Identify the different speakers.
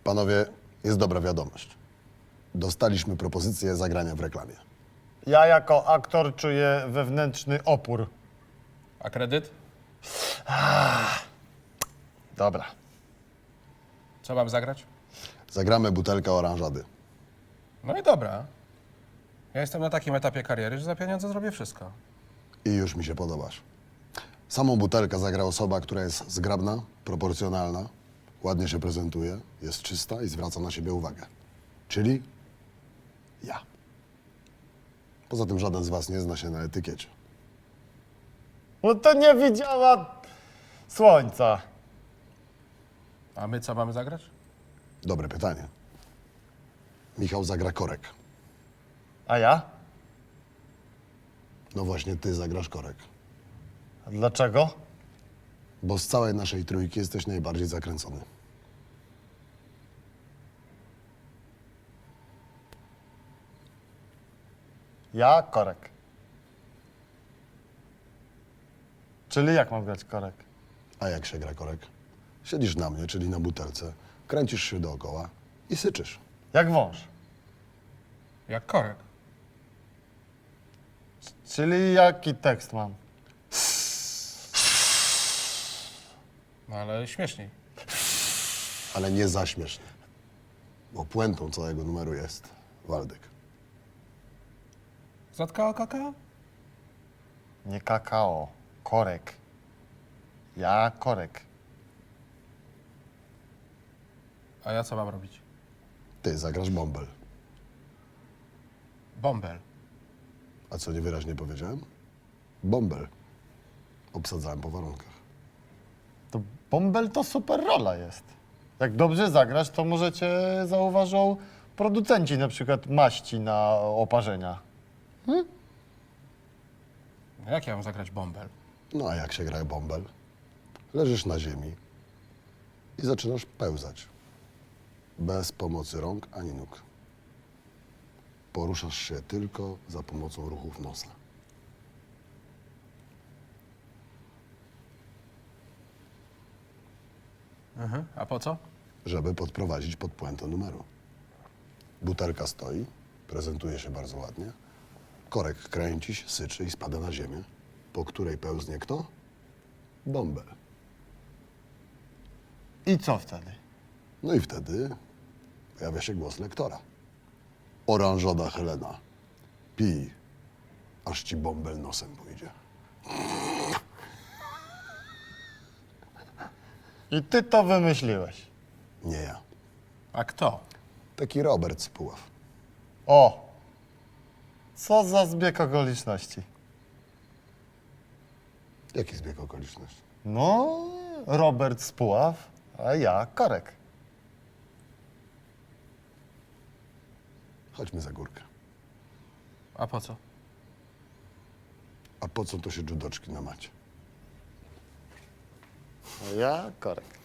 Speaker 1: Panowie, jest dobra wiadomość. Dostaliśmy propozycję zagrania w reklamie.
Speaker 2: Ja jako aktor czuję wewnętrzny opór.
Speaker 3: A kredyt?
Speaker 2: Dobra.
Speaker 3: Co mam zagrać?
Speaker 1: Zagramy butelkę oranżady.
Speaker 3: No i dobra. Ja jestem na takim etapie kariery, że za pieniądze zrobię wszystko.
Speaker 1: I już mi się podobasz. Samą butelkę zagra osoba, która jest zgrabna, proporcjonalna, ładnie się prezentuje, jest czysta i zwraca na siebie uwagę. Czyli ja. Poza tym żaden z was nie zna się na etykiecie.
Speaker 2: No to nie widziała słońca.
Speaker 3: A my co mamy zagrać?
Speaker 1: Dobre pytanie. Michał zagra korek.
Speaker 2: A ja?
Speaker 1: No właśnie, ty zagrasz korek.
Speaker 2: A dlaczego?
Speaker 1: Bo z całej naszej trójki jesteś najbardziej zakręcony.
Speaker 2: Ja korek. Czyli jak mam grać korek?
Speaker 1: A jak się gra korek? Siedzisz na mnie, czyli na butelce, kręcisz się dookoła i syczysz.
Speaker 2: Jak wąż.
Speaker 3: Jak korek.
Speaker 2: Czyli jaki tekst mam?
Speaker 3: No ale śmieszniej.
Speaker 1: Ale nie za śmiesznie. Bo puentą całego numeru jest Waldek.
Speaker 3: Zatkało kakao?
Speaker 2: Nie kakao, korek. Ja korek.
Speaker 3: A ja co mam robić?
Speaker 1: Ty zagrasz bąbel.
Speaker 3: Bąbel.
Speaker 1: A co niewyraźnie powiedziałem? Bąbel. Obsadzałem po warunkach.
Speaker 2: To bąbel to super rola jest. Jak dobrze zagrasz, to może cię zauważą producenci na przykład maści na oparzenia.
Speaker 3: No jak ja mam zagrać bąbel?
Speaker 1: No a jak się gra bąbel? Leżysz na ziemi i zaczynasz pełzać. Bez pomocy rąk ani nóg. Poruszasz się tylko za pomocą ruchów nosa.
Speaker 3: A po co?
Speaker 1: Żeby podprowadzić pod puentę numeru. Butelka stoi, prezentuje się bardzo ładnie. Korek kręci się, syczy i spada na ziemię, po której pełznie kto? Bąbel.
Speaker 2: I co wtedy?
Speaker 1: No i wtedy pojawia się głos lektora. Oranżada Helena, pij, aż ci bąbel nosem pójdzie.
Speaker 2: I ty to wymyśliłeś.
Speaker 1: Nie ja.
Speaker 3: A kto?
Speaker 1: Taki Robert z Puław.
Speaker 2: O! Co za zbieg okoliczności.
Speaker 1: Jaki zbieg okoliczności?
Speaker 2: No, Robert z Puław, a ja korek.
Speaker 1: Chodźmy za górkę.
Speaker 3: A po co?
Speaker 1: A po co to się judoczki na macie?
Speaker 2: A ja korek.